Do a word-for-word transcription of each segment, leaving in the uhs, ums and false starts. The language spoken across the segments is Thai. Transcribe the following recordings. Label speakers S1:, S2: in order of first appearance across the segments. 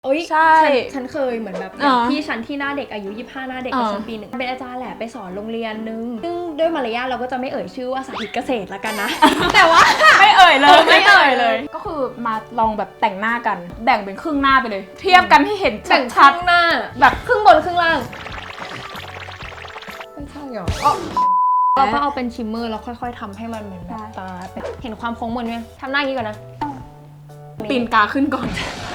S1: โอ้ย
S2: ใช่
S1: ฉันเคยเหมือนแบบอย่างพี่ฉันที่หน้าเด็กอายุยี่สิบห้าหน้าเด็กกับฉันปีหนึ่งเป็นอาจารย์แหละไปสอนโรงเรียนนึงซึ่งด้วยมารยาทเราก็จะไม่เอ่ยชื่อว่าสาธิตเกษตรละกันนะ แต่ว่า
S2: ไม่เอ่ยเลยไม่เอ่ยเลยก็คือมาลองแบบแต่งหน้ากันแบ่งเป็นครึ่งหน้าไปเลยเทียบกันให้เห็น
S1: แบ่งค
S2: ชัด
S1: รึ่งหน้าแบบครึ่งบนครึ่งล่างไม่ใช่หรอเราก็เอาเป็นชิมเมอร์แล้วค่อยๆทำให้มันเหมือนแบบตาเห็นความโค้งมนไหมทำหน้าอย่างนี้ก่อนนะ
S2: ตีนกาขึ้นก่อน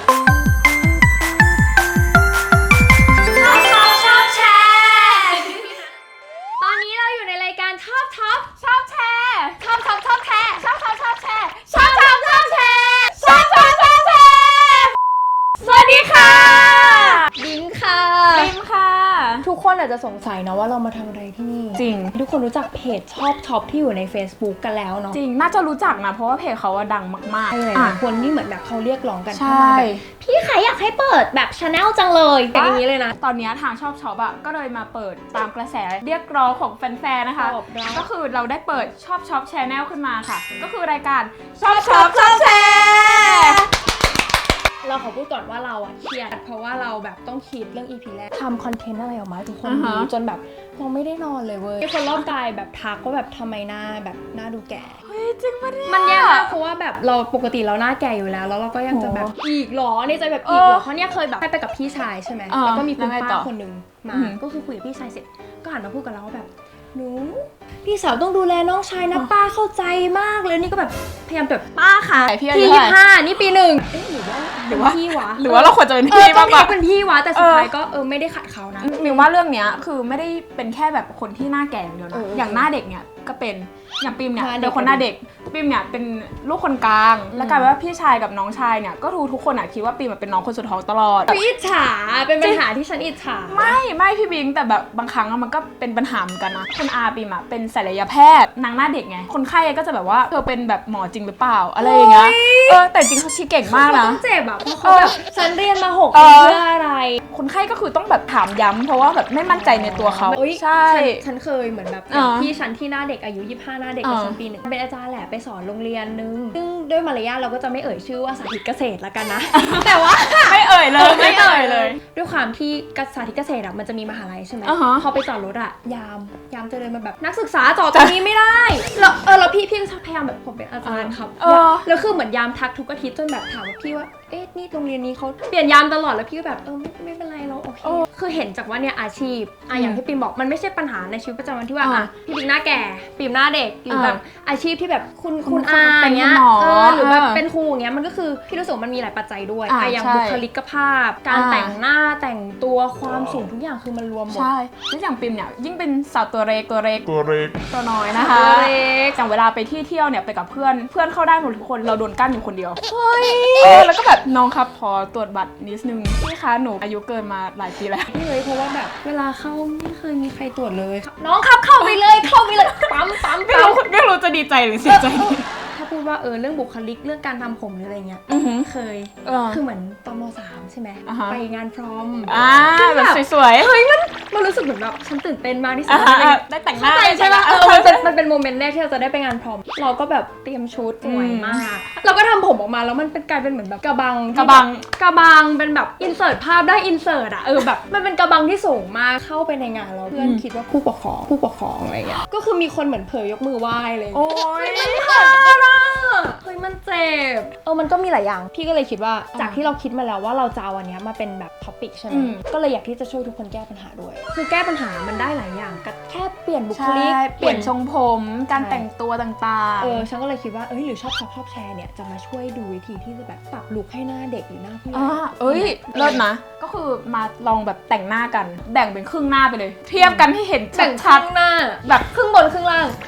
S1: ตอนนี้เราอยู่ในรายการชอบท็อป
S2: ชอบแชร์
S1: ชอบท็อปชอบแชร์
S2: ชอบชอบชอบแชร์
S1: ชอบท็อปชอบแชร์
S2: ชอบชอบชอบแชร์
S1: สวัสดีค่ะบิงค่ะ
S2: บิมค่ะ
S1: ทุกคนอาจจะสงสัยนะว่าเรามาทำอะไรที่นี่
S2: จริง
S1: ทุกคนรู้จักเพจชอบช็อปที่อยู่ใน Facebook กันแล้วเนาะ
S2: จริงน่าจะรู้จักนะเพราะว่าเพจเขาดังมากๆ
S1: ใช่คนที่เหมือนแบบเขาเรียกร้องกัน
S2: ใช่
S1: พี่ใครอยากให้เปิดแบบชาแนลจังเลยเป็นอย่างนี้เลยนะ
S2: ตอนนี้ทางชอบช็อปอ่ะก็เลยมาเปิดตามกระแสเรียกร้องของแฟนๆนะคะก็คือเราได้เปิดชอบช็อปชาแนลขึ้นมาค่ะก็คือรายการชอบช็อปชอบแชร์
S1: เราขอพูดก่อนว่าเราอะเครียดเพราะว่าเราแบบต้องคิดเรื่อง อี พี แรกทำคอนเทนต์อะไรออกมาทุกคนดูจนแบบเราไม่ได้นอนเลยเว้ยมีคนรอบกายแบบทักว่าแบบทำไมหน้าแบบหน้าดูแก่
S2: เฮ้ยจริงปะเนี่ย
S1: มันแย่มากเพราะว่าแบบเราปกติเราหน้าแก่อยู่แล้วแล้วเราก็ยังจะแบบอีกหรอในใจแบบอีกหรอเพราะเนี่ยเคยแบบไปกับพี่ชายใช่ไหมแล้วก็มีคุณป้าคนหนึ่งมาก็คือคุยกับพี่ชายเสร็จก็หันมาพูดกับเราว่าแบบหนูพี่สาวต้องดูแลน้องชายนะป้าเข้าใจมากเลยนี่ก็แบบพยายามแบบป้าค่ะพี่ยี่สิบห้านี่ปีหนึ่งเอ๊ะหรือว่าหรือว่าพี่วะ
S2: หรือว่าเราควรจะเป็นพี่มากกว่า
S1: เป็นพี่วะแต่สุดท้ายก็เออไม่ได้ขัดเขานะ
S2: มิวว่าเรื่องเนี้ยคือไม่ได้เป็นแค่แบบคนที่หน้าแก่อย่างเดียวนะอย่างหน้าเด็กเนี่ยก็เป็นอย่างปิมเนี่ยเป็นคนหน้าเด็กปิมเนี่ยเป็นลูกคนกลางแล้วกลายเป็นว่าพี่ชายกับน้องชายเนี่ยก็ทุกทุกคนอ่ะคิดว่าปิมเป็นน้องคนสุดท้องตลอด
S1: อิจฉาเป็นปัญหาที่ฉันอิจฉา
S2: ไม่ไม่พี่บิงแต่แบบบางครั้งมันก็เป็นปัญหาเหมือนกันนะคุณอาปิมอ่ะเป็นศัลยแพทย์นางหน้าเด็กไงคนไข้ก็จะแบบว่าเธอเป็นแบบหมอจริงหรือเปล่าอะไรอย่างเงี้ยเออแต่จริงเขาชี้เก่งมากนะ
S1: ต้องเจ็บแบบเพราะเขาแบบฉันเรียนมาหกปีเพื่ออะไร
S2: คนไข้ก็คือต้องแบบถามย้ำเพราะว่าแบบไม่มั่นใจในตัวเขา
S1: ใช่ฉันเคยเหมือนแบบพี่ฉันที่หน้าเด็กอายุยี่สิบห้าหน้าเด็กกับฉันปีหนึ่งเป็นอาจารย์แหละไปสอนโรงเรียนนึงซึ่งด้วยมารยาทเราก็จะไม่เอ่ยชื่อว่าสาธิตเกษตรละกันนะแต่ว่า
S2: ไม่เอ่ยเลยไม่เอ่ยเลย
S1: ด้วยความที่สาธิตเกษตรอ่ะมันจะมีมหาลัยใช่ไหมพอไปจอดรถอ่ะยามยามจะเดินมาแบบนักศึกษาจอดตรงนี้ไม่ได้แล้วเออแล้วพี่พี่พยายามแบบผมเป็นอาจารย์ครับแล้วคือเหมือนยามทักทุกอาทิตย์จนแบบถามว่าพี่ว่าเอ๊ะนี่โรงเรียนนี้เขาเปลี่ยนยามตลอดแล้วพี่ก็แบบเออไม่เป็นไรเราโอเคคือเห็นจากว่าเนี่ยอาชีพอ่ะอย่างที่ปิมบอกมันไม่ใช่ปัญหาในชีวิตประจำวันที่ว่าอ่ะพี่ปิมหน้าแก่ปิมหน้าเด็กหรือแบบอาชีพที่แบบคุณคุณอาอย่างเงี้ยเออหรือแบบเป็นครูอย่างเงี้ยมันก็คือพี่รู้สึกมันมีหลายปัจจัยด้วยอ่ะอย่างบุคลิกภาพการแต่งหน้าแต่งตัวความสูงทุกอย่างคือมันรวมหมด
S2: ใช่แล้วอย่างปิมเนี่ยยิ่งเป็นสาวตัวเล็กตัวเล็ก
S3: ตัวเล็ก
S2: ตัวน้อยนะคะ
S1: ตัวเล็ก
S2: อย่างเวลาไปที่เที่ยวเนี่ยไปกับเพื่อนเพื่อนเข้าได้หมดทุกคนเราโดนกั้นอยู่คนเดียวเฮ้ยเออแล้วก็แบบน้องครับพอตรวจบัตรนิดนึงพี่คะหนูอายุเกินมาหลายปีแล้ว
S1: นี่เลยเพราะว่าแบบเวลาเข้าไม่เคยมีใครตรวจเลยน้องครับเข้าไปเลยเข้าไปเลยปั๊มปั๊ม
S2: ไม่รู้ไม่รู้จะดีใจหรือเสียใจ
S1: ถ้าพูดว่าเออเรื่องบุคลิกเรื่องการทำผมหรืออะไรเงี้ยเคยคือเหมือนตอนม.สาม ใช่ไหมไปงานพร้อม
S2: อ่าแบบสวยๆ
S1: เฮ้ยมันมันรู้สึกเหมือนแบบฉันตื่นเต้นมากที่สุด
S2: ได้แต่งหน้า
S1: ใช่ไหมเออมันเป็นมันเป็นโมเมนต์แรกที่เราจะได้ไปงานพร้อมเราก็แบบเตรียมชุดสวยมากเราก็ทำผมออกมาแล้วมันเป็นกลายเป็นเหมือนแบบกระบัง
S2: กระบัง
S1: กระบังเป็นแบบอินเสิร์ตภาพได้อินเสิร์ตอ่ะเออแบบมันเป็นกระบังที่สูงมากเข้าไปในงานเราเพื่อนคิดว่าผู้ปกครองผู้ปกครองอะไรเงี้ยก็คือมีคนเหมือนเผยยกมือไหว้เลย
S2: โอ้ย
S1: มันเจ็บเฮ้ยมันเจ็บเออมันก็มีหลายอย่างพี่ก็เลยคิดว่าจากที่เราคิดมาแล้วว่าเราจะเอาอันนี้มาเป็นแบบท็อปิกใช่ไหมก็เลยอยากที่จะช่วยทุกคนแก้ปัญหาด้วยคือแก้ปัญหามันได้หลายอย่างก็แค่เปลี่ยนบุคลิก
S2: เปลี่ยนทรงผมการแต่งตัวต่างๆ
S1: เออฉันก็เลยคิดว่าเอ้ยหรือชอบชอบชอบแชร์เนี่ยจะมาช่วยดูวิธีที่จะแบบปรับลุคให้หน้าเด็กหรือหน้าผู้ใหญ่
S2: เอ้ยเลิศนะก็คือมาลองแบบแต่งหน้ากันแบ่งเป็นครึ่งหน้าไปเลยเทียบกันให้เห็นชัด
S1: ๆหน้าแบบครึ่งบนครึ่งล่าง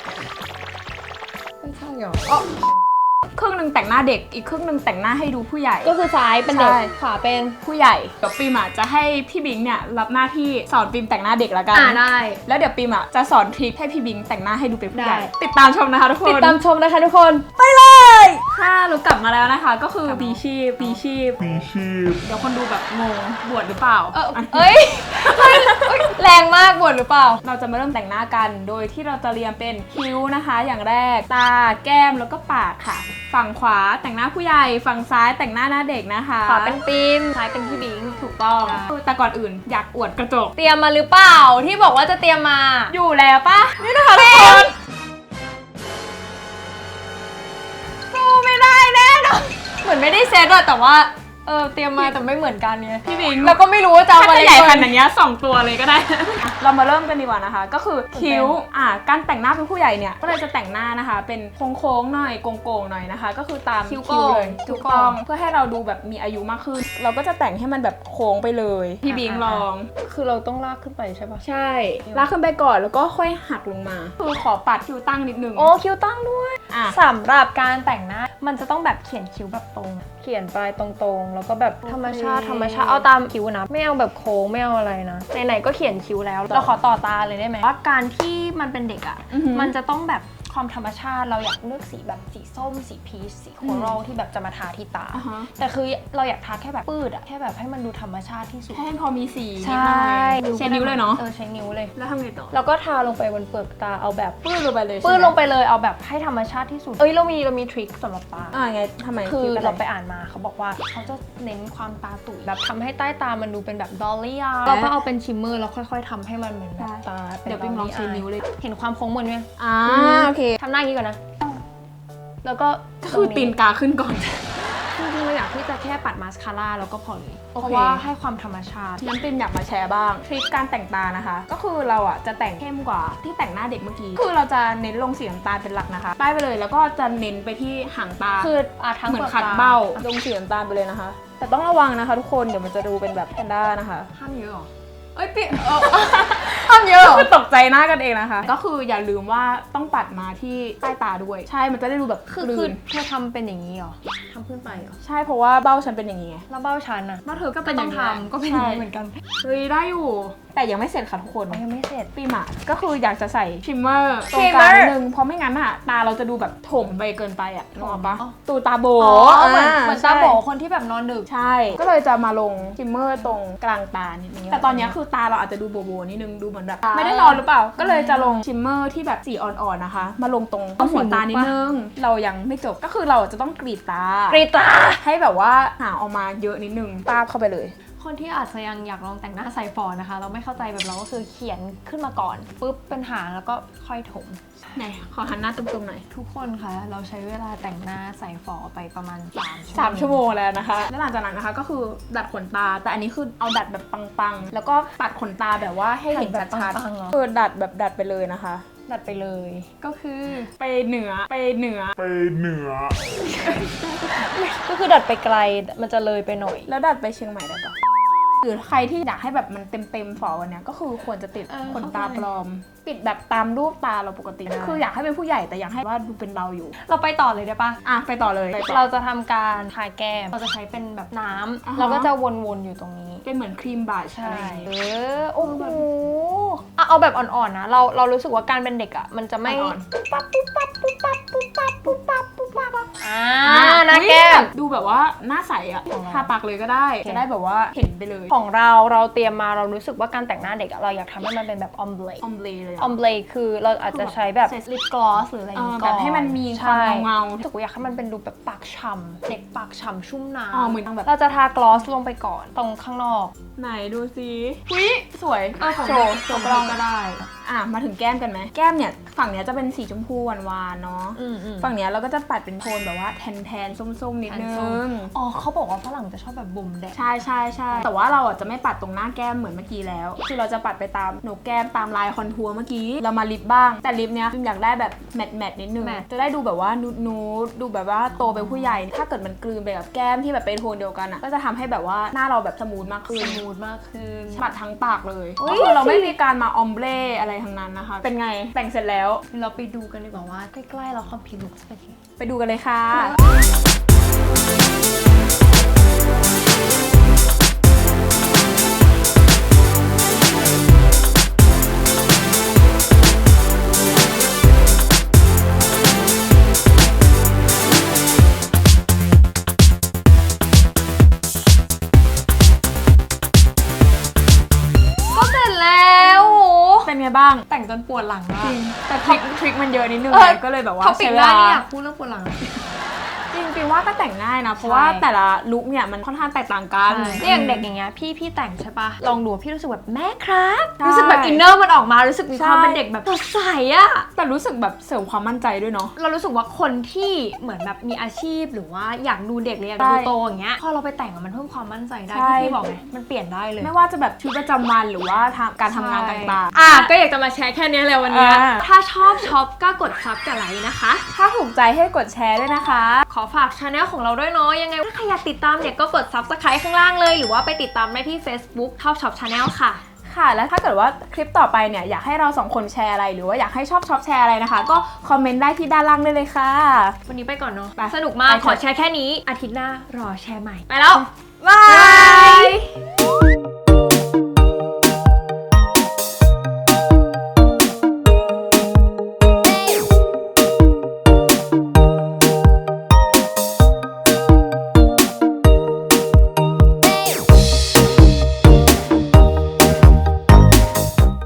S1: ไม่ใช่หรอ
S2: ครึ่งหนึ่งแต่งหน้าเด็กอีกครึ่งหนึ่งแต่งหน้าให้ดูผู้ใหญ่
S1: ก็คือซ้ายเป็นเด็กขวาเป็น
S2: ผู้ใหญ่เดี๋ยวปิมอ่ะจะให้พี่บิงเนี่ยรับหน้าที่สอนปิมแต่งหน้าเด็กละกัน
S1: อ่าได้
S2: แล้วเดี๋ยวปิมอ่ะจะสอนทริคให้พี่บิงแต่งหน้าให้ดูเป็นผู้ใหญ่ติดตามชมนะคะทุกคน
S1: ติดตามชมนะคะทุกคน
S2: ไปเลยค่ะเรากลับมาแล้วนะคะก็คือปีชีพปีชีพ
S3: ปีชีพ
S2: เดี๋ยวคนดูแบบงงบวชหรือเปล่า
S1: เออเอ้ยแรงมากบวชหรือเปล่า
S2: เราจะมาเริ่มแต่งหน้ากันโดยที่เราจะเรียงเป็นคิ้วนะคะอย่างแรกตาแก้มแล้วก็ปากค่ะฝั่งขวาแต่งหน้าผู้ใหญ่ฝั่งซ้ายแต่งหน้าหน้าเด็กนะคะ
S1: ขวาเป็นปิมซ้ายเป็นพี่บิง
S2: ถูกต้องแต่ก่อนอื่นอยากอวดกระจก
S1: เตรียมมาหรือเปล่าที่บอกว่าจะเตรียมมา
S2: อยู่แล้วปะนี่นะคะทุกคนสู้ไม่ได้แน่นอน
S1: เหมือนไม่ได้เซตอะแต่ว่าเออเตรียมมาแต่ไม่เหมือนกันเนี่ย
S2: พี่บิง
S1: แล้วก็ไม่รู้ว่าจะเอาอะไร
S2: ใหญ่ขนาดนี้สองตัวเลยก็ได้ เรามาเริ่มกันดีกว่านะคะก็คือคิ้วอ่ะการแต่งหน้าเป็นผู้ใหญ่เนี่ยก็เลยจะแต่งหน้านะคะเป็นโค้งๆหน่อยโก่งๆหน่อยนะคะก็คือตามคิ้วเลยถูกต้องเพื่อให้เราดูแบบมีอายุมากขึ้นเราก็จะแต่งให้มันแบบโค้งไปเลยพี่บิงลอง
S1: คือเราต้องลากขึ้นไปใช่ปะ
S2: ใช่ลากขึ้นไปก่อนแล้วก็ค่อยหักลงมาคือขอปัดคิ้วตั้งนิดนึง
S1: โอ้คิ้วตั้งด้วยสำหรับการแต่งหน้ามันจะต้องแบบเขียนคิ้วแบบตรงเขียนปลายตรงๆแล้วก็แบบธรรมชาติธรรมชาติเอาตามคิ้วนะไม่เอาแบบโค้งไม่เอาอะไรนะไหนๆก็เขียนคิ้วแล้วเราขอต่อตาเลยได้ไหมว่าการที่มันเป็นเด็กอ่ะมันจะต้องแบบความธรรมชาติเราอยากเลือกสีแบบสีส้มสีพีชสีโคโรลที่แบบจะมาทาที่ตาแต่คือเราอยากทาแค่แบบปืดอะแค่แบบให้มันดูธรรมชาติที่สุด
S2: ให้พอมีสี
S1: ใช่
S2: ใช้นิ้วเลยเนาะ
S1: เออใช้นิ้วเลย
S2: แล้วทำไงต่อ
S1: เราก็ทาลงไปบนเปลือกตาเอาแบบ
S2: ปืดลงไปเลย
S1: ปืดลงไปเลยเอาแบบให้ธรรมชาติที่สุดเอ้ยเรามีเรามีทริคสำหรับตา
S2: อ่าไงทำไม
S1: คือเราไปอ่านมาเขาบอกว่าเขาจะเน้นความตาตุ๋ยแบบทำให้ใต้ตามันดูเป็นแบบดอลลี่อ่ะเราก็เอาเป็นชิมเมอร์แล้วค่อยๆทำให้มันเหมือนแบบตา
S2: เดี๋ยวไปลองใช้นิ้วเลย
S1: เห็นความโค้งมนไหม
S2: อ่าโอเค
S1: ทำหน้าอย่างนี้ก่อนนะแล้วก็
S2: คือตีนกาขึ้นก่อน
S1: จริงๆเราอยากที่จะแค่ปัดมาสคาร่าแล้วก็พอเลยเพราะว่าให้ความธรรมชาติ
S2: น้ำปิมอยากมาแชร์บ้างทริคการแต่งตานะคะก็คือเราอ่ะจะแต่งเข้มกว่าที่แต่งหน้าเด็กเมื่อกี้คือเราจะเน้นลงสีน้ำตาลเป็นหลักนะคะป้ายไปเลยแล้วก็จะเน้นไปที่หางตา
S1: คืออ่ะทั้ง
S2: เหมือนขัดเบ้าลงสีน้ำตาลไปเลยนะคะแต่ต้องระวังนะคะทุกคนเดี๋ยวมันจะดูเป็นแบบแพนด้านะคะ
S1: ห้ามเยอะหรอ
S2: เอ้ยปิห้ามเยอะคือตกใจหน้ากันเองนะคะก็คืออย่าลืมว่าต้องปัดมาที่ใต้ตาด้วยใช่มันจะได้ดูแบบ
S1: คือคือเธอทำเป็นอย่างนี้หรอทำขึ้นไปหรอ
S2: ใช่เพราะว่าเบ้าฉันเป็นอย่างนี้ไง
S1: แล้วเบ้าฉันอะ
S2: เบ้าเธอก็เป็นอย่างนี้
S1: ทำก็เป็นอย่างนี้เหมือนกัน
S2: เฮ้ยได้อยู่แต่ยังไม่เสร็จค่ะทุกคน
S1: ยังไม่เสร็จ
S2: ปีหมาก็คืออยากจะใส่ชิมเมอร์ตรงกลางนิดนึงเพราะไม่งั้นอะตาเราจะดูแบบถมไปเกินไปอะนึกออกปะตูตาโบ
S1: เหมือนเหมือนตาโบคนที่แบบนอนดึก
S2: ใช่ก็เลยจะมาลงชิมเมอร์ตรงกลางตานิดนึงแต่ตอนนี้คือตาเราอาจจะดูโบโบนิดนึงดูเหมือนแบบไม่ได้นอนหรือเปล่าก็เลยจะลงชิมเมอร์ที่แบบสีอ่อนๆนะคะมาลงตรงหัวตานิดนึงเรายังไม่จบก็คือเราจะต้องกรีดตาก
S1: รีดตา
S2: ให้แบบว่าหางออกมาเยอะนิดนึงตาเข้าไปเลย
S1: คนที่อาจจะยังอยากลองแต่งหน้าใส่ฟอนนะคะเราไม่เข้าใจแบบเราก็คือเขียนขึ้นมาก่อนปุ๊บเป็นหางแล้วก็ค่อยถม
S2: ไหนขอหันหน้าตรงๆหน่อย
S1: ทุกคนคะเราใช้เวลาแต่งหน้าใส่ฟอไปประมาณ
S2: สามชั่วโมงแล้วนะคะแล้วหลังจากนั้นนะคะก็คือดัดขนตาแต่อันนี้คือเอาดัดแบบปังๆแล้วก็ตัดขนตาแบบว่าให้เห็นชัดๆคือดัดแบบดัดไปเลยนะคะ
S1: ดัดไปเลยก็คือ
S2: ไปเหนือไปเหนือ
S3: ไปเหนือ
S1: ก็คือดัดไปไกลมันจะเลยไปหน่อย
S2: แล้วดัดไปเชียงใหม่ได้ปะหรือใครที่อยากให้แบบมันเต็มๆฝอวันนี้ก็คือควรจะติดขนตาปลอมปิดแบบตามรูปตาเราปกติคืออยากให้เป็นผู้ใหญ่แต่อยากให้ว่าดูเป็นเราอยู่
S1: เราไปต่อเลยได้ปะ
S2: อ่ะไปต่อเลย
S1: เราจะทำการทาแก้มเราจะใช้เป็นแบบน้ำเราก็จะวนๆอยู่ตรงนี้
S2: เป็นเหมือนครีมบลัช
S1: ใช่เออโอ้โหเอาแบบอ่อนๆนะเราเรารู้สึกว่าการเป็นเด็กอ่ะมันจะไม่ปุ๊บปั๊บปุ๊บปั๊บปุ๊บปั๊บปุ๊บปั๊บปุ๊บปั๊บปุ๊บปั๊บอ่าหน้าแก้ม
S2: ดูแบบว่าหน้าใสอ่ะทาปากเลยก็ได้จะได้แบบว่าเห็นไปเลย
S1: ของเราเราเตรียมมาเรารู้สึกว่าการแต่งหน้าเด็กเราอยากทำให้มันเป็นแบบออมเบล
S2: ออมเบลเลย
S1: ออมเบลคือเราอาจจะใช้แบบลิปกลอสหรืออะไรอย่างเงี้ย
S2: แบบให้มันมีความเงา
S1: รู้สึกว่าอยากให้มันเป็นดูแบบปากฉ่ำเด็กปากฉ่ำชุ่มน้
S2: ำอ๋อเหมือนแบบ
S1: เราจะทากลอสลงไปก่อนตรงข้างนอก
S2: ไหนดูสิวิสวย
S1: โชว์โชว์กล้องก็ได้
S2: อ่ะมาถึงแก้มกันไหมแก้มเนี่ยฝั่งเนี้ยจะเป็นสีชมพูหวานๆเนาะฝั่งเนี้ยเราก็จะปัดเป็นโทนแบบว่าแทนๆส้มๆนิดนึง
S1: อ๋อเขาบอกว่าฝรั่งจะชอบแบบบ่มแดด
S2: ใช่ใช่ใช่แต่ว่าเราอ่ะจะไม่ปัดตรงหน้าแก้มเหมือนเมื่อกี้แล้วคือเราจะปัดไปตามโหนกแก้มตามลายคอนทัวร์เมื่อกี้เรามาลิปบ้างแต่ลิปเนี้ยอยากได้แบบแมทแมทนิดนึงจะได้ดูแบบว่านูดนูดดูแบบว่าโตเป็นผู้ใหญ่ถ้าเกิดมันกลืนไปกับแก้มที่แบบเป็นโทนเดียวกันอ่ะก็จะทำให้แบบว่าหน้าเราแบบสมูทมากขึ้น
S1: สมูทมากขึ้น
S2: ปัดทั้งปากเลยก็คือเราไม่มีการมาออมเบรอะไรทั้งนั้นนะคะเป็นไงแต่งเสร็จแล้ว
S1: เราไปดูกันดีกว่าว่าใกล้ๆเราคอมพิวลุกเป็นไง
S2: ไปดูกันเลยค่ะบ้าง
S1: แต่งจนปวดหลังมาก
S2: แต่ทริคทริคมันเยอะนิดนึงก็เลยแบบว่า
S1: เขาปิดหน้าเนี่ยพูดเรื่องปวดหลัง
S2: จริงๆว่าก็แต่งง่ายนะเพราะว่าแต่ละลุคเนี่ยมันค่อนข้างแตกต่างกัน
S1: อย่างเด็กอย่างเงี้ยพี่พี่แต่งใช่ปะลองดูพี่รู้สึกแบบแม่ครับรู้สึกแบบอินเนอร์มันออกมารู้สึกมีความเป็นเด็กแบบสดใสอะ
S2: แต่รู้สึกแบบเสริมความมั่นใจด้วยเนาะ
S1: เรารู้สึกว่าคนที่เหมือนแบบมีอาชีพหรือว่าอยากดูเด็กเลยอยากดูโตอย่างเงี้ยพอเราไปแต่งมันเพิ่มความมั่นใจได้ที่พี่บอกไงมันเปลี่ยนได้เลย
S2: ไม่ว่าจะแบบชีวิตประจำวันหรือว่าการทำงานต่าง
S1: ๆอ่ะก็อยากจะมาแชร์แค่นี้เลยวันนี้ถ้าชอบช็อปก็กดซับกับไลค์นะคะ
S2: ถ้าถูกใจให้กดแชร์ด้วยนะคะ
S1: ขอฝากชาแนลของเราด้วยเนาะยังไงถ้าใครอยากติดตามเนี่ยก็กด ซับสไครบ์ ข้างล่างเลยหรือว่าไปติดตามได้ที่ Facebook ท็อปช็อปชาแนลค่ะ
S2: ค่ะแล้วถ้าเกิดว่าคลิปต่อไปเนี่ยอยากให้เราสองคนแชร์อะไรหรือว่าอยากให้ชอบช็อปแชร์อะไรนะคะก็คอมเมนต์ได้ที่ด้านล่างได้เลยค่ะ
S1: วันนี้ไปก่อนเนาะสนุกมากขอแชร์แค่นี้อาทิตย์หน้ารอแชร์ใหม่ไปแล้วบาย
S2: บาย